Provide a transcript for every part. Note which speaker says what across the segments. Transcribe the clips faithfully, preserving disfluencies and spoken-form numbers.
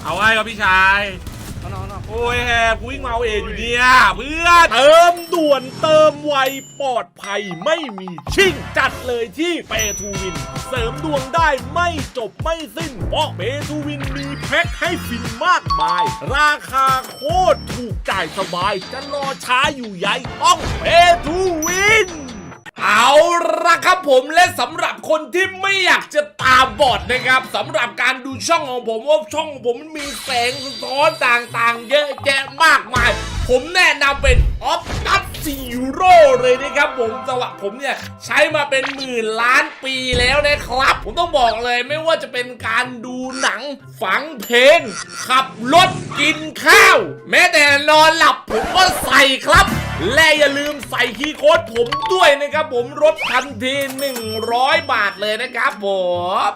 Speaker 1: เอาไว้ครับพี่ชาย
Speaker 2: น้องๆโอ้
Speaker 1: ยแฮกูวิ่งมาเอาเองอยู่เนี่ยเพื่อนเติมด่วนเติมไวปลอดภัยไม่มีชิ่งจัดเลยที่เปทูวินเสริมดวงได้ไม่จบไม่สิ้นเพราะเปทูวินมีแพ็คให้ฟินมากมายราคาโคตรถูกจ่ายสบายจะรอช้าอยู่ใหญ่ต้องเปทูวินเอาละครับผมและสำหรับคนที่ไม่อยากจะตาบอดนะครับสำหรับการดูช่องของผมว่าช่องของผมมันมีแสงสะท้อนต่างๆเยอะแยะมากมายผมแนะนำเป็นออฟตัสซีโร่เลยนะครับผมสวัสดิ์ผมเนี่ยใช้มาเป็นหมื่นล้านปีแล้วนะครับผมต้องบอกเลยไม่ว่าจะเป็นการดูหนังฟังเพลงขับรถกินข้าวแม้แต่นอนหลับผมก็ใส่ครับและอย่าลืมใส่คีย์โค้ดผมด้วยนะครับผมลดทันทีหนึ่งร้อยบาทเลยนะครับผม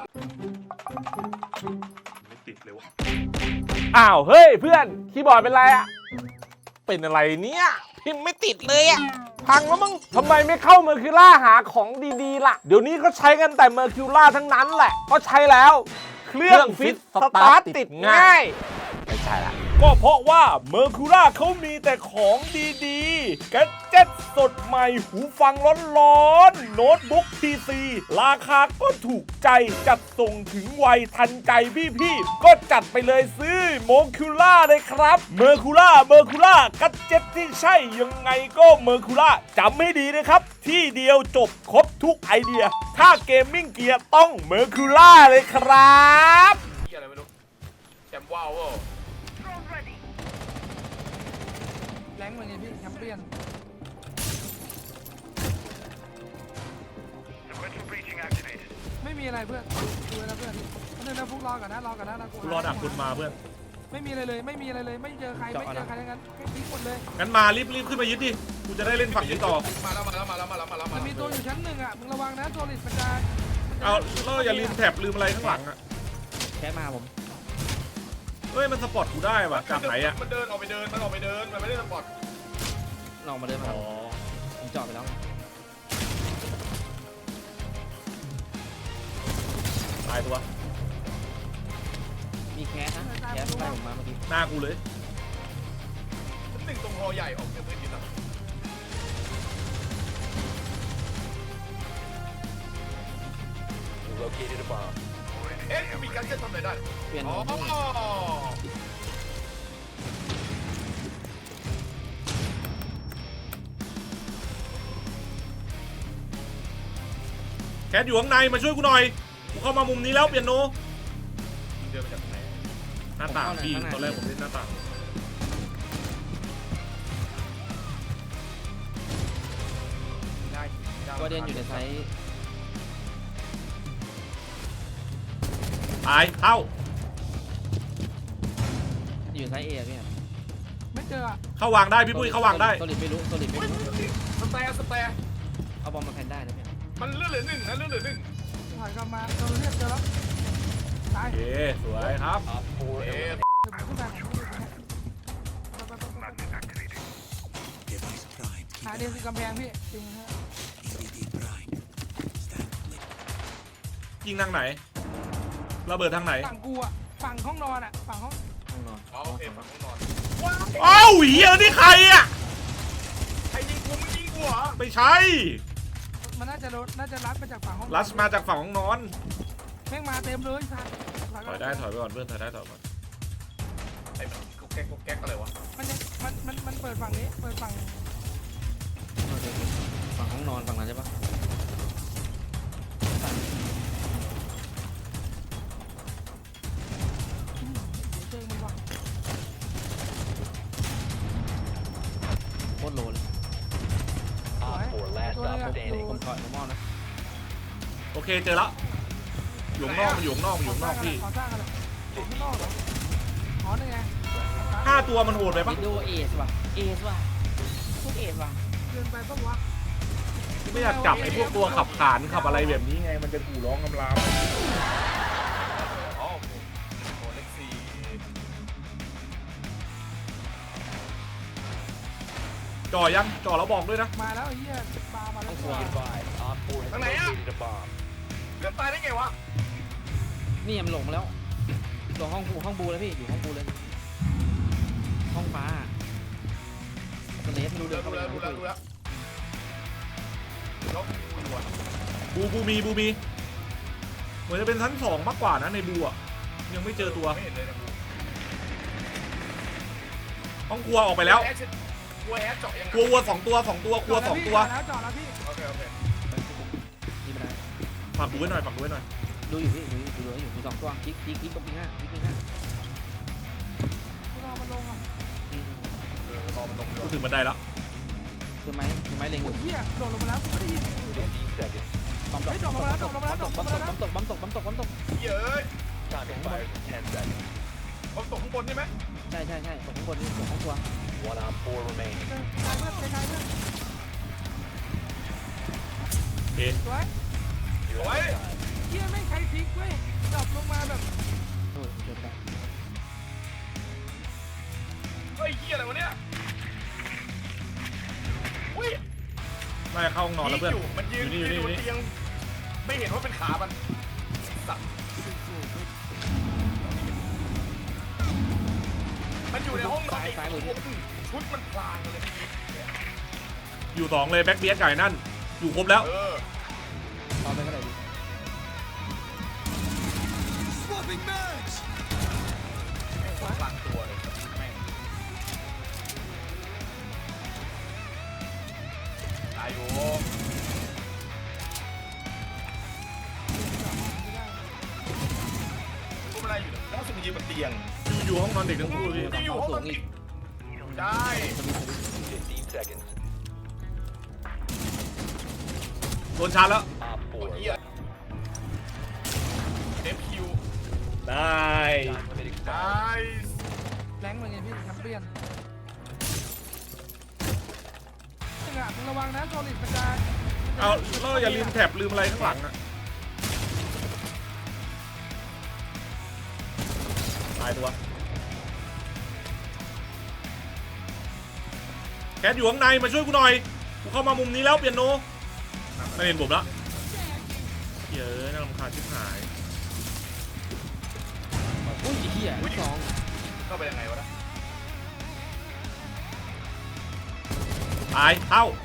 Speaker 1: ไม่ติดเลยวะอ้าวเฮ้ยเพื่อนคีย์บอร์ดเป็นไรอะเป็นอะไรเนี่ยพิมพ์ไม่ติดเลยอะพังแล้วมึงทำไมไม่เข้าเมอร์คิวล่าหาของดีๆล่ะเดี๋ยวนี้ก็ใช้กันแต่เมอร์คิวล่าทั้งนั้นแหละเพราะใช้แล้วเครื่องฟิตสตาร์ทติดง่ายไม่ใช่ละก็เพราะว่าเมอร์คิวล่าเขามีแต่ของดีๆแกดเจ็ตสดใหม่หูฟังร้อนๆโน้ตบุ๊ก พี ซี ราคาก็ถูกใจจัดส่งถึงไวทันใจพี่ๆก็จัดไปเลยซื้อเมอร์คิวล่าเลยครับเมอร์คิวล่าเมอร์คิวล่าแกดเจ็ตที่ใช่ยังไงก็เมอร์คิวล่าจำให้ดีนะครับที่เดียวจบครบทุกไอเดียถ้าเกมมิ่งเกียร์ต้องเมอร์คิวล่าเลยครับอะไรไม่รู้แชมป์ว้าว
Speaker 2: แรงเหมือนไงพี่แชมเปี้ยนไม่มีอะไรเพื่อนดูนะเพื่อนเพื่อนนะพวกรอก่อนนะรอก่อนนะกู
Speaker 1: รอดักคุณมาเพื่อน
Speaker 2: ไม่มีอะไรเลยไม่มีอะไรเลยไม่เจอใครไม่เจอใครทั้งนั้นทิ้งหมดเลย
Speaker 1: งั้นมารีบรีบขึ้นมายึดดิกูจะได้เล่นฝั่งนี้ต่อ
Speaker 3: มาแล้วมาแล้วมาแล้วมาแล้วมาแล้ว
Speaker 2: มันมีตัวอยู่ชั้นหนึ่งอ่ะมึงระวังนะตัวลิสมันจะ
Speaker 1: เอาแล้วอย่าลืมแถบลืมอะไรข้างหลังอ่ะ
Speaker 2: แค่มาผม
Speaker 1: เฮ้ยมันสปอร์ตกูได้ว่ะจากไหนอ่ะ
Speaker 3: มันเดินออกไปเดินมันออกไปเดินมันไม่ได้สปอร์ต
Speaker 2: ลองมาเดินมาผมจอดไปแล้ว
Speaker 1: ตายตัว
Speaker 2: มีแคสนะแคสไปผมมาเมื่อกี้
Speaker 1: หน้ากูเลย
Speaker 3: หนึ่งตรงคอใหญ่ออกจากพื้นดินอ่ะเอ๊ะมีการเช็ดทำอะไรได้
Speaker 2: เปลี่ยน
Speaker 1: แคทอยู่ข้างในมาช่วยกูหน่อยกูเข้ามามุมนี้แล้วเปียโน
Speaker 3: เดินมาจากไหน
Speaker 1: หน้าต่างพี่ตอนแรกผมเล่นหน้าต่าง
Speaker 2: ก็เดินอยู่ในไซส์
Speaker 1: ตายเข้า
Speaker 2: อยู่ไซส์เอพี่ไม่เจอ
Speaker 1: เข้าวางได้พี่ปุ้ยเข้าวางได้
Speaker 2: โซลิดไม่รู้โซลิดไม่รู้
Speaker 3: สแตร์สแตร์
Speaker 2: เอาบอลมาแพนได้นะพี่
Speaker 3: มันเลื่อนเหลือหนึ่งนะเลื่อนเหลือหนึ่ง
Speaker 2: ถอยกลับมาเราเรียกเจอแล้ว
Speaker 1: ตายโอเคสวยครับ
Speaker 3: เอ๊ะ
Speaker 2: หาเดียวคือกำแพงพี่จริงฮะ
Speaker 1: ยิงทางไหนระเบิดทางไหน
Speaker 2: ฝั่งกูอ่ะฝั่งห้องนอนอ่ะฝั่งห้อง
Speaker 3: ห้องนอนโอเคฝั่งห้องนอน
Speaker 1: อ้าวเหี้ยนี่ใครอ่ะ
Speaker 3: ใครยิงกูมึงยิงกูเหรอ
Speaker 1: ไม่ใช่
Speaker 2: มันน่าจะน่าจะรัดมาจากฝั่งห้อง
Speaker 1: รัดมาจากฝั่งห้องนอน
Speaker 2: แม่งมาเต็มเลยค่ะ
Speaker 1: ถอยได้ถอยไปก่อนเพื่อนถอยได้ถอยก่อน
Speaker 3: ไอ้มันกุ๊กแก๊กกุ๊กแก๊กอะไรวะ
Speaker 2: มันมันมันมันเปิดฝั่งนี้เปิดฝั่งฝั่งห้องนอนฝั่งนั้นใช่ปะโคตรโลเลยผมถอยมอนะ
Speaker 1: โอเคเจอแล้วอยู่นอกมันอยู่นอกมันอยู่นอกพี่ห้าตัวมันโหดไปปะ
Speaker 2: ดูเอสว่ะเอสว่ะพวกเอสว่ะเกินไปปะวะ
Speaker 1: ไม่อยากจับไอ้พวกตัวขับขานขับอะไรแบบนี้ไงมันจะกูร้องกำลามจ่อยังจ่อแล้วบอกด้วยนะ
Speaker 2: มาแล้วไอ้เหี้ยปลามาแล้ว
Speaker 3: ทางไหนอ่ะเกิดตายได้ไงวะ
Speaker 2: นี่มันหลงแล้ว
Speaker 4: ตรงห้องบูห้องบูเลยพี่อยู่ห้องบูเลยห้องฟ้าสเลสไม่รู้
Speaker 3: ดู
Speaker 4: เรื่
Speaker 3: แล้
Speaker 4: อง
Speaker 3: ว
Speaker 4: เข้า
Speaker 3: ดู
Speaker 4: ไป
Speaker 3: แล้ว
Speaker 4: ไม่
Speaker 3: ดู
Speaker 4: คุ
Speaker 3: แล้ว
Speaker 4: ย
Speaker 3: ดูแล้วแล้วดูอ่ะ
Speaker 1: บูบูมีบูมีเหมือนจะเป็นชั้นสองมากกว่านะในบูอะยังไม่เจอตัว
Speaker 3: ไม่เห็นเลยนะ
Speaker 1: ห้องครัวออกไปแล้ว
Speaker 3: กลัวแอดเจาะยังไง
Speaker 1: ครัววัวสองตัวสองตัวครัวสองตัว
Speaker 2: จอดแล้วจอดแล้วพี่
Speaker 3: โอเคโอเค
Speaker 4: นี่ไม่ได้
Speaker 1: ฝากดูไว้หน่อยฝากดูไว้หน่อย
Speaker 4: ดูอยู่พี่ดูอยู่ดูอยู่มีสองตัวคลิกคลิกคลิกตรงปีห้าคลิกปีห้า
Speaker 2: พวกเรามันลงอ่ะ
Speaker 3: เออรอมันลง
Speaker 1: กูถึงบันไดแล้ว
Speaker 4: คือไม้คือไม้เล็งอ
Speaker 2: โอ้
Speaker 4: ยู่
Speaker 2: ยเหี้ยโดดลงมาแล้วไม่ได้ยิน
Speaker 4: บอมตกบอมตกบอมตกบอมตกบอมตกบอมตกบอมตกบอมตกบอมตก
Speaker 3: เย้ยผมตกข้างบนใช่ไหม
Speaker 4: ใช่ใช่ใช่ตกข้างบนนี่ตกข้างตัว
Speaker 5: One on four remaining.
Speaker 2: ใครเพื่อนใครเพื่อน
Speaker 1: โอเค
Speaker 2: สวย
Speaker 3: โอ้ย
Speaker 2: เหี้ยแม่งใครพลิกเว้ยดรอปลงมาแบบ
Speaker 4: โอ้ยเกิดได้
Speaker 3: เฮ้ยเฮียอะไรวะเนี่ยอุ้ย
Speaker 1: น่าจะเข้าห้องนอนแล้วเพื่อน
Speaker 3: อยู่มันยืน
Speaker 1: อยู่นี่
Speaker 3: ยืน
Speaker 1: อยู่
Speaker 3: บน
Speaker 1: นี่
Speaker 3: เตียงไม่เห็นว่าเป็นขามันสัตว์มันอยู่ในห้องนอนอีกชุดมันพลางเลย
Speaker 1: อยู่สองเลยแบ็คเบียสไก่นั่น อยู่ครบแล้ว
Speaker 3: เออ
Speaker 4: พอไปก็ได้ดิ
Speaker 3: แม่งพลางตัวเลยแม่งตายอยู่พวกอะไรอยู่เนี่ยแล้วสุดยืนบนเตียง
Speaker 1: อยู่อยู่ห้องนอนเด็กทั้งคู่พี่
Speaker 3: ที่อยู่ห้องนอนอีกได้
Speaker 5: Fifteen seconds.
Speaker 1: โดนชาร์จแล้ว
Speaker 5: Op
Speaker 3: โอ้
Speaker 5: four.
Speaker 3: ยเหี้ยเอฟคิว
Speaker 1: ได้
Speaker 5: Time limit
Speaker 3: ได้
Speaker 5: expired.
Speaker 2: แรงเหมือนไงพี่แชมเปี้ยนจังหวะมึงระวังนะโซลิดมันจะ
Speaker 1: เอาเราอย่าลืมแท็บลืมอะไรข้างหลังอะตายตัวแคทอยู่ข้างในมาช่วยกูหน่อยกูเข้ามามุมนี้แล้วเปียโนไม่เห็นผมละเฮ้ยน่ารำคาญชิบหาย
Speaker 4: อุ้ยเหี้ยสอง
Speaker 3: เข้าไปยังไงวะนะ
Speaker 1: ตายเข้า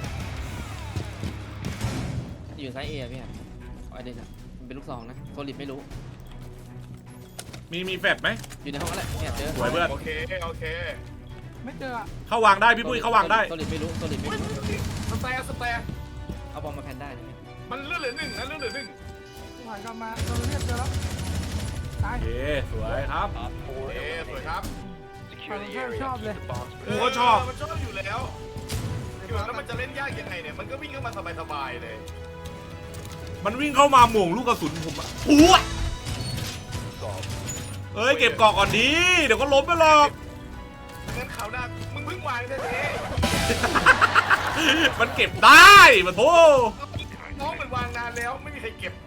Speaker 4: อยู่ซ้ายเอพี่ครับไอเดนอะมันเป็นลูกซองนะโซลิดไม่รู้
Speaker 1: มีมีแฟดไหม
Speaker 4: อยู่ในห้องนั่นแหละแอบเจอ
Speaker 1: สวยเพื่อน
Speaker 3: โอเคโอเค
Speaker 2: ไม่เจออ่ะ
Speaker 1: เข้าวางได้พี่ปุ้ยเข้าวางได้
Speaker 4: โซลิดไม่รู้โซลิดไม่
Speaker 3: อุ้ย
Speaker 4: รู้
Speaker 3: สแตร์สแตร์
Speaker 4: เอาบอมมาแพนได้นะ
Speaker 3: มันเลื่อนเหลือหนึ่งนะเลื่อนเหลือหนึ่ง
Speaker 2: ถอยกลับมาเราเรียกเจอแล้วตาย
Speaker 1: โอเคสวยครับ
Speaker 5: Op four
Speaker 3: เอ๊ะสวยค
Speaker 5: eliminated.
Speaker 3: รับ
Speaker 5: Secure the
Speaker 2: Oh,
Speaker 5: area.
Speaker 2: chop
Speaker 5: Keep
Speaker 2: เลย
Speaker 5: the bombs
Speaker 1: กูก็ชอบ
Speaker 3: มันชอบอยู่แล้วอยู่แล้วมันจะเล่นยากยังไงเนี่ยมันก็วิ่งเข้ามาสบายๆเลย
Speaker 1: มันวิ่งเข้ามาหม่งลูกกระสุนผมอะอู้ว
Speaker 5: solved.
Speaker 1: เอ้ยเก็บกอกก่อนดีเดี๋ยวก็ล้มไปหรอก
Speaker 3: งั้นข่าวหน้ามึงเพิ่งวางได้เลย
Speaker 1: มันเก็บได้มาโท
Speaker 3: น้องมันวางนานแล้วไม่มีใครเก็บ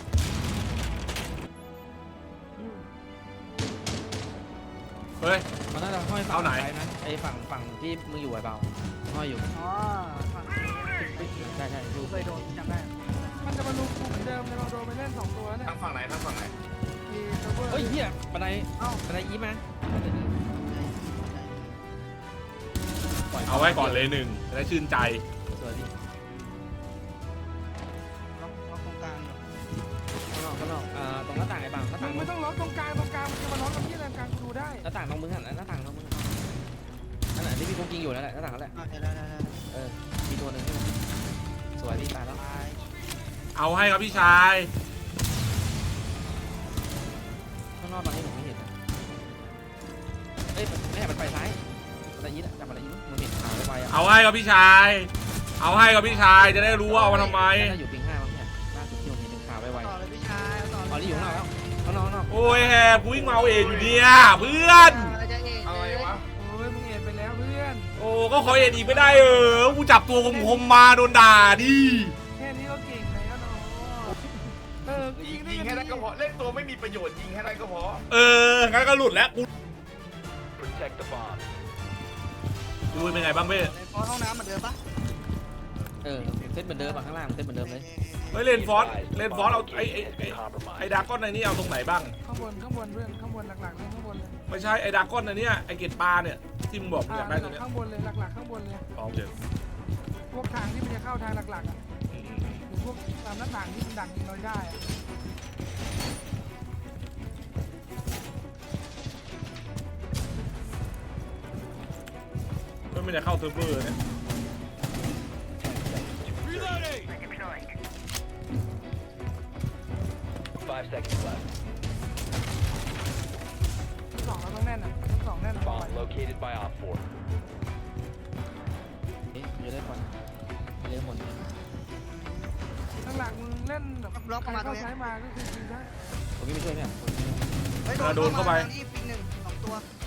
Speaker 1: เฮ้ย
Speaker 4: มันน่าจะห้อยฝั่ง
Speaker 1: เอาไหน
Speaker 4: ซ้ายนะไอฝั่งฝั่งที่มึงอยู่ไอ้เบาห้อยอยู่
Speaker 2: อ๋อ
Speaker 4: ใช่ใช่ดู
Speaker 2: เคยโดนจำได้มันจะมาลุกกูเหมือนเดิมเลยเราโดนไปเล่นสองตัวเนี่ย
Speaker 3: ทางฝั่งไหนทางฝั่งไหน
Speaker 2: มีเซิร์ฟเวอร์
Speaker 4: เฮ้ยเหี้ยบันได
Speaker 2: เอ้า
Speaker 4: บันไดอีมาปล่ย
Speaker 1: เอาไว้ก่อนเลยหนึ่งจะได้ชื่นใจ
Speaker 4: สวยดิ
Speaker 2: ล็อกล็อกตรงกลาง
Speaker 4: ข้างนอกข้างนอกอ่าตรงหน้าต่างไอ้เบาหน้า
Speaker 2: มึ
Speaker 4: ต่าง ง
Speaker 2: ไม่ต้องล็อกตรงกลางตรงกลางมันจะมาล็อกกับที่อะไรกลางกูดูได้
Speaker 4: หน้าต่างตรงมึงหันหน้าต่างตรงมึงนั่นแหละที่พี่กุ๊กยิงอยู่นั่นแหละหน้าต่างนั่นแหละ
Speaker 2: โอเคได้ได้ได้
Speaker 4: เออมีตัวหนึ่งสวยพี่ตายแล้ว
Speaker 1: เอาให้ครับพี่ชาย
Speaker 4: ข้างนอกตอนนี้ผมไม่เห็นนะเอ้ยไม่เห็นมันไปซ้ายบันไดอีอะจับบันไดอีมึงเห็นขาวไปอ่ะ
Speaker 1: เอาให้ครับพี่ชาย เอาให้ครับพี่ชายจะได้รู้ว่าเอามาทำไม
Speaker 4: น่าอยู่ปิงห้ามั้งเนี่ยล่าสุดที่ผมเห็นเป็นขาวไว
Speaker 2: ต่อเลยพี่ชายต่อ
Speaker 4: ๆอ๋อนี่อยู่ข้างนอกแล้วข้างนอกข้างนอก
Speaker 1: โอ้ยแฮกูวิ่งมาเอาเองอยู่เนี่ยเพื่อน
Speaker 3: อะไรวะ
Speaker 2: โอ้ยมึงเอ็นไปแล้วเพื่อน
Speaker 1: โอ้ก็ขอเอ็นอีกไม่ได้เออกูจับตัวคมๆมาโดนด่าดิ
Speaker 2: แค่นี้ก็เก่งแล้วเนาะเออ
Speaker 3: ยิงยิงให้ได้ก็พอเล่นตัวไม่มีประโยชน์ยิงให้ได้ก็พอ
Speaker 1: เอองั้นก็หลุดแล้วกู
Speaker 5: Protect the bomb.
Speaker 1: ดูเป็นไงบ้างเพ่
Speaker 2: พอห้องน้ำเหมือนเดิมปะ
Speaker 4: เออเซตเหมือนเดิมอะข้างล่างเซตเหมือนเดิมเลย
Speaker 2: เ
Speaker 1: เฮ้ยเลนฟอส
Speaker 5: Be advised,
Speaker 1: เลน
Speaker 5: the
Speaker 1: ฟอส
Speaker 5: bomb
Speaker 1: เอาไอ้ไอ้
Speaker 5: location has
Speaker 1: ไอ้
Speaker 5: been compromised.
Speaker 1: ไอ้ดากอนในนี่เอาตรงไหนบ้าง
Speaker 2: ข้างบนข้างบนเพื่อนข้างบนหลักๆเลยข้างบนเลย
Speaker 1: ไม่ใช่ไอ้ดากอนในเนี้ยไอ้เกตปลาเนี่ยที่มึงบอกมึงอยากได้ตัวเนี้ย
Speaker 2: ข้างบนเลยหลักๆข้างบนเลย
Speaker 1: อ๋อโอเค
Speaker 2: พวกทางที่มันจะเข้าทางหลักๆอ่ะ
Speaker 1: อืม
Speaker 2: หรือพวกตามหน้าต่างที่มันดักยิงเราได้อะ
Speaker 1: ก็ไม่ได้เข้าเซิร์ฟเวอร์เนี่ย
Speaker 5: Five seconds left.
Speaker 2: ทั้งสองเราต้องแน่นอ่ะทั้งสองแน่นอะ
Speaker 5: Bomb located by Op four.
Speaker 4: เอ๊ะจะได้ก่อนเล่นหมดเลย
Speaker 2: หลักๆมึงเล่นแบบใครเข้าใช้มาก็คือยิงได้
Speaker 4: ผมไม่ช่วยเนี่ย
Speaker 6: เฮ้ย
Speaker 1: โดนเข้าไป
Speaker 6: ทงนี้ปิงหนึ่งสองตัว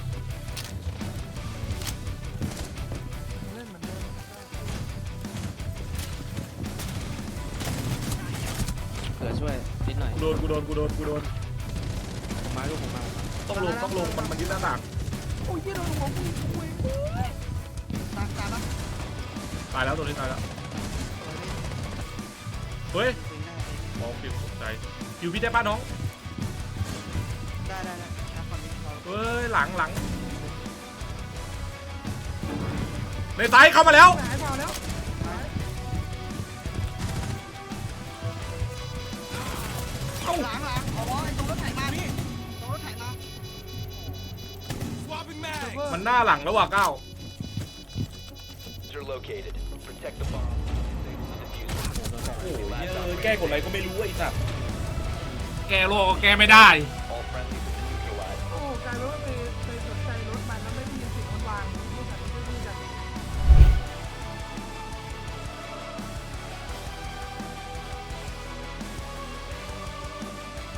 Speaker 2: มึงเล่นเหมือนเดิม
Speaker 4: เผื่อช่วยนิดหน่อย
Speaker 1: กูโดนกูโดนกูโดนกูโดน
Speaker 4: ผมมาลูกผมมาผมมา
Speaker 1: ต้องลงต้องลงมันมันยึดหน้าต่าง
Speaker 2: โอ้ยยี่โดนของกูคุย
Speaker 6: ตามตามปะ
Speaker 1: ตายแล้วตัวนี้ตายแล้วเฮ้ย
Speaker 6: ปิงได้
Speaker 1: มองผิดตกใจอยู่พี่ได้ป้าน้อง
Speaker 6: ได้ได้ได้นะฝั่งนี้พอ
Speaker 1: เฮ้ยหลังหลังในซ้ายเข้ามาแล้ว
Speaker 2: หายเปล่าแล้ว
Speaker 6: เอาหลังหลังอ๋อไอ้ตรงรถไถมาพี่ตรงรถไถมา
Speaker 1: มันหน้าหลังแล้วว่ะก้าว
Speaker 5: You're located. Protect the bomb. Disable the diffuser.
Speaker 1: โอ้ย
Speaker 5: Last
Speaker 1: เออ
Speaker 5: operator
Speaker 1: แก้กดอะไรก็
Speaker 5: standing.
Speaker 1: ไม่รู้ไอ้สัตว์แก้โลกก็แก้ไม่ได้
Speaker 5: All friendlies have been neutralized.
Speaker 2: โอ้กลายเป็นว่า